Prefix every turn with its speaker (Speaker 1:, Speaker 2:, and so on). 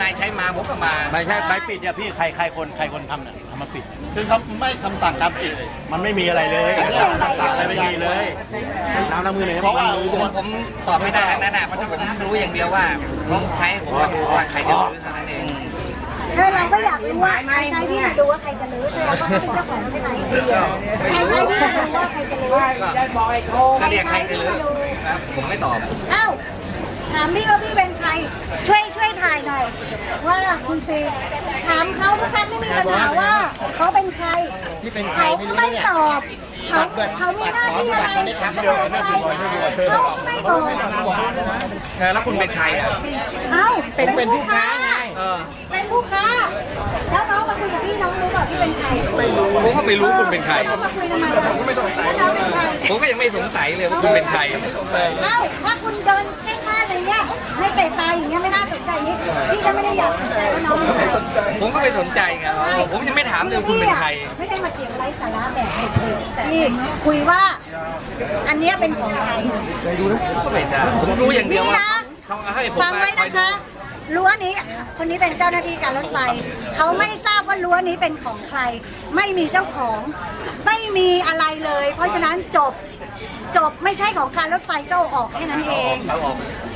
Speaker 1: ายใช้มาผมก็มา
Speaker 2: ไม่ใช่ใบปิดเนี่ยพี่ใครคนทำเนี่ยทำมาปิดซึ่งเขาไม่คำสั่งการปิดมันไม่มีอะไรเลยสั่งอะไรไม่มีเลยน้ำน้ำมือไหนเพราะว่า
Speaker 1: ผมตอบไม่ได้ทั้งนั้นนะเพราะผมรู้อย่างเดียวว่าเขาใช้ผมมาดูว่าใครจะรื้อเท่านั้นเอง
Speaker 3: เราก็อยากรู้ว่าใครใช้ที่มาดูว่าใครจะรื้อแสดงว่าเขาเป็นเจ้าของใช่ไหมใครใช้ที่มาดูว่าใครจะรื้อ
Speaker 1: ก็เรียกใครจะรื้อครับผมไม่ตอบ
Speaker 3: เอ้าถามพี่ว่าพี่เป็นใครช่วยถ่ายหน่อยว่าคุณซีถามเขาทุกครั้งไม่มีปัญหาว่าเขาเป็นใครเขาไม่ตอบเขามีหน้าที่อะไรเขาบอกอะไรเขาไม่บอก
Speaker 1: แล้วคุณเป็นใครอ่ะ
Speaker 3: เอ้าเป็นผู้ค้าเป็นผู้ค้าแล้วน้องมาคุยกับพี่น้องรู้เปล่าพี่เป็นใครไม่รู้
Speaker 1: ผมก็ไม่รู้คุณเป็นใคร
Speaker 3: น้องมาคุยทำไมผมก็ไม่สงสัยน้องเป็นใคร
Speaker 1: ผมก็ยังไม่สงสัยเลยว่าคุณเป็นใคร
Speaker 3: เอ้าถ้าคุณเดินแค่ข้างอะไรเงี้ยไม่เตะตายอย่างเงี้ยไม่น่าสนใจนี่พี่ก็ไม่ได้อยากสนใจว่าน้องเป็นใคร
Speaker 1: ผมก็ไม่สนใจไงผมยังไม่ถามเลยคุณเป็นใคร
Speaker 3: ไม่ได้มาเถียงไร้สาระแบบเด็กๆพี่คุยว่า อันเนี้ยเป็นของใคร
Speaker 1: ก็ไม่ได้ผมรู้อย่างเดียว
Speaker 3: นี่
Speaker 1: ว่า
Speaker 3: นะ
Speaker 1: เขาให้ผม
Speaker 3: ฟัง
Speaker 1: มา
Speaker 3: ไว้
Speaker 1: คอย
Speaker 3: นะ
Speaker 1: ดู
Speaker 3: คะรั้วนี้คนนี้เป็นเจ้าหน้าที่การรถไฟเขาไม่ทราบว่ารั้วนี้เป็นของใคร ไม่มีเจ้าของไม่มีอะไรเลย เพราะฉะนั้นจบไม่ใช่ของการรถไฟก็เอาออกแค่นั้นเอง